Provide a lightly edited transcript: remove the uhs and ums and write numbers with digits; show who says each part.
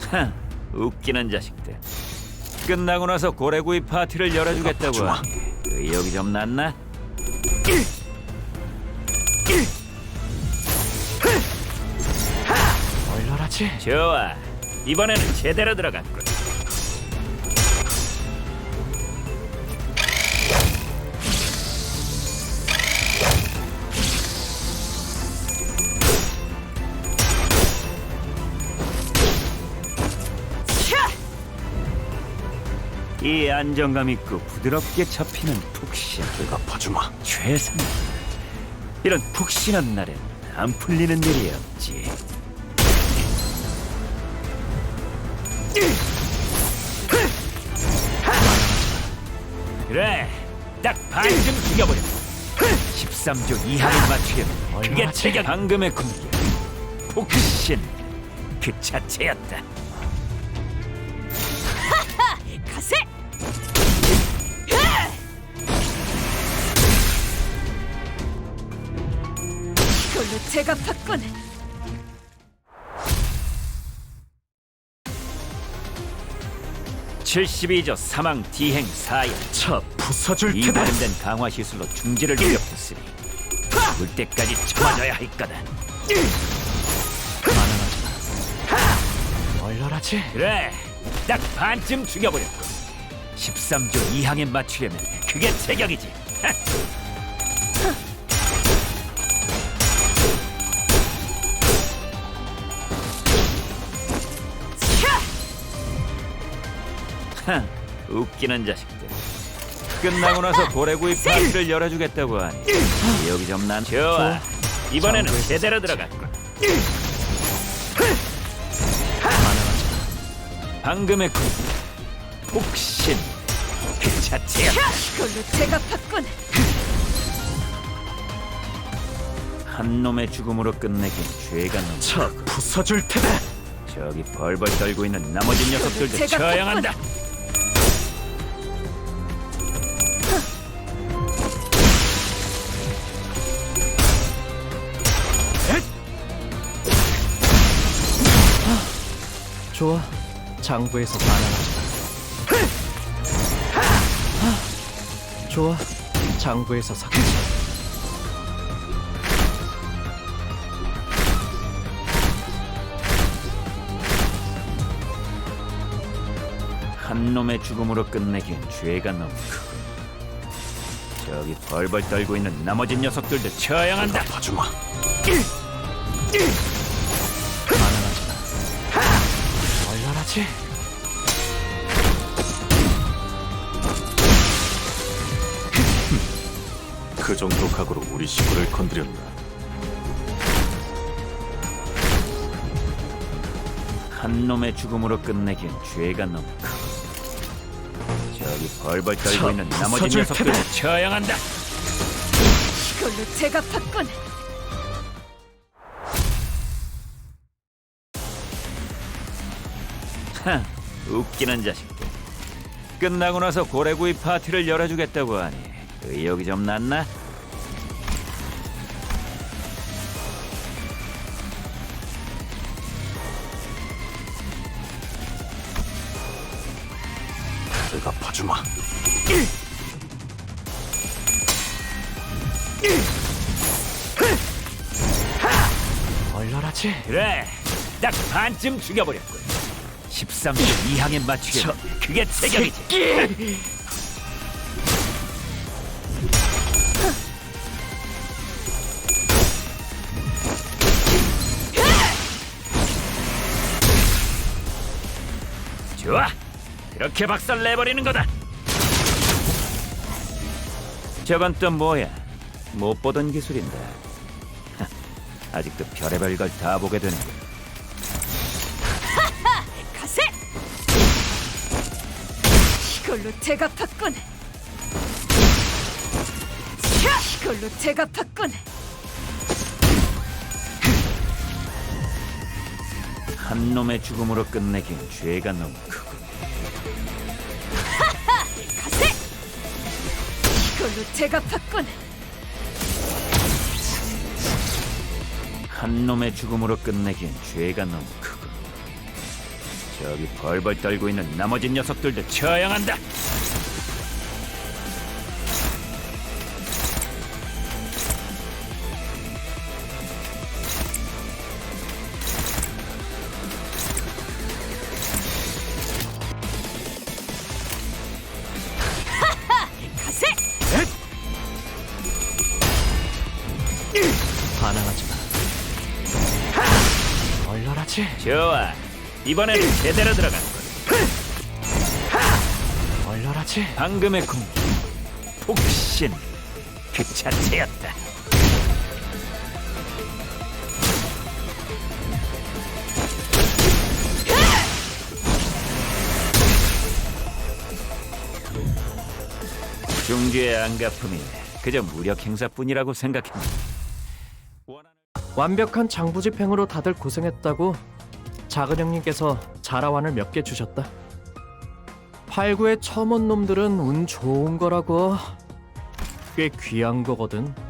Speaker 1: 하, 웃기는 자식들. 끝나고 나서 고래구이 파티를 열어주겠다고 하니 의욕이 좀 났나?
Speaker 2: 얼얼하지?
Speaker 1: 좋아, 이번에는 제대로 들어갔군. 이 안정감 있고 부드럽게 잡히는 푹신
Speaker 2: 내가 봐주마.
Speaker 1: 최상. 이런 푹신한 날엔 안 풀리는 일이 없지. 그래, 딱 반쯤 죽여버려. 13조 이하를 맞추려면 그게 제가 방금의 공격. 푹신 그 자체였다.
Speaker 3: 가세! 이걸로 제가 받건
Speaker 1: 72조 사망 디행 사형.
Speaker 2: 차 부숴줄
Speaker 1: 이
Speaker 2: 테다.
Speaker 1: 발음된 강화 시술로 중지를 일으켰으니 울 때까지 참아줘야 할 거다.
Speaker 2: 얼얼하지?
Speaker 1: 그래, 딱 반쯤 죽여버렸고 13조 이항에 맞추려면 그게 제격이지. 하, 웃기는 자식들. 끝나고 나서 고래구이 파티를 열어주겠다고 하니 여기 좀 난. 좋아, 이번에는 제대로 들어갔군. 방금의 공격 폭신 그 자체야.
Speaker 3: 이걸로 제가 받건
Speaker 1: 한 놈의 죽음으로 끝내긴 죄가 너무.
Speaker 2: 차 부숴줄 테다.
Speaker 1: 저기 벌벌 떨고 있는 나머지 녀석들도
Speaker 3: 제가
Speaker 1: 처형한다.
Speaker 2: 좋아. 장부에서 반환하자. 좋아. 장부에서 삭제.
Speaker 1: 한 놈의 죽음으로 끝내긴 죄가 너무 크고 저기 벌벌 떨고 있는 나머지 녀석들도 처형한다.
Speaker 2: 봐주마. 얼얼하지?
Speaker 4: 그 정도 각오로 우리 시골을 건드렸나?
Speaker 1: 한 놈의 죽음으로 끝내긴 죄가 너무 크고 저기 벌벌 떨고 있는 나머지
Speaker 2: 부숴줄
Speaker 1: 녀석들도
Speaker 2: 테다.
Speaker 1: 처형한다.
Speaker 3: 이걸로 제가 받건
Speaker 1: 하, 웃기는 자식들. 끝나고 나서 고래구이 파티를 열어주겠다고 하니 의욕이 좀 났나?
Speaker 4: 내가 봐주마.
Speaker 2: 얼얼하지?
Speaker 1: 그래, 딱 반쯤 죽여버렸군. 13조 이항에 맞추려면 그게 제격이지. 좋아, 그렇게 박살 내버리는 거다. 저건 또 뭐야? 못 보던 기술인데. 하, 아직도 별의별 걸 다 보게 되는군.
Speaker 3: 가세! 이걸로 제가 받건 이걸로 제가 받건
Speaker 1: 한 놈의 죽음으로 끝내긴 죄가 너무 크고
Speaker 3: 가세! 이걸로 제가 받건
Speaker 1: 한 놈의 죽음으로 끝내긴 죄가 너무 크고 저기 벌벌 떨고 있는 나머지 녀석들도 처형한다.
Speaker 3: 가세!
Speaker 2: 반항하지 마. 얼얼하지?
Speaker 1: 좋아, 이번에는 제대로 들어갔군.
Speaker 2: 얼얼하지?
Speaker 1: 방금의 공기, 폭신 그 자체였다. 중주의 안가품이 그저 무력 행사뿐이라고 생각했는데
Speaker 2: 완벽한 장부집행으로 다들 고생했다고 작은 형님께서 자라완을 몇 개 주셨다. 8구의 처먼 놈들은 운 좋은 거라고. 꽤 귀한 거거든.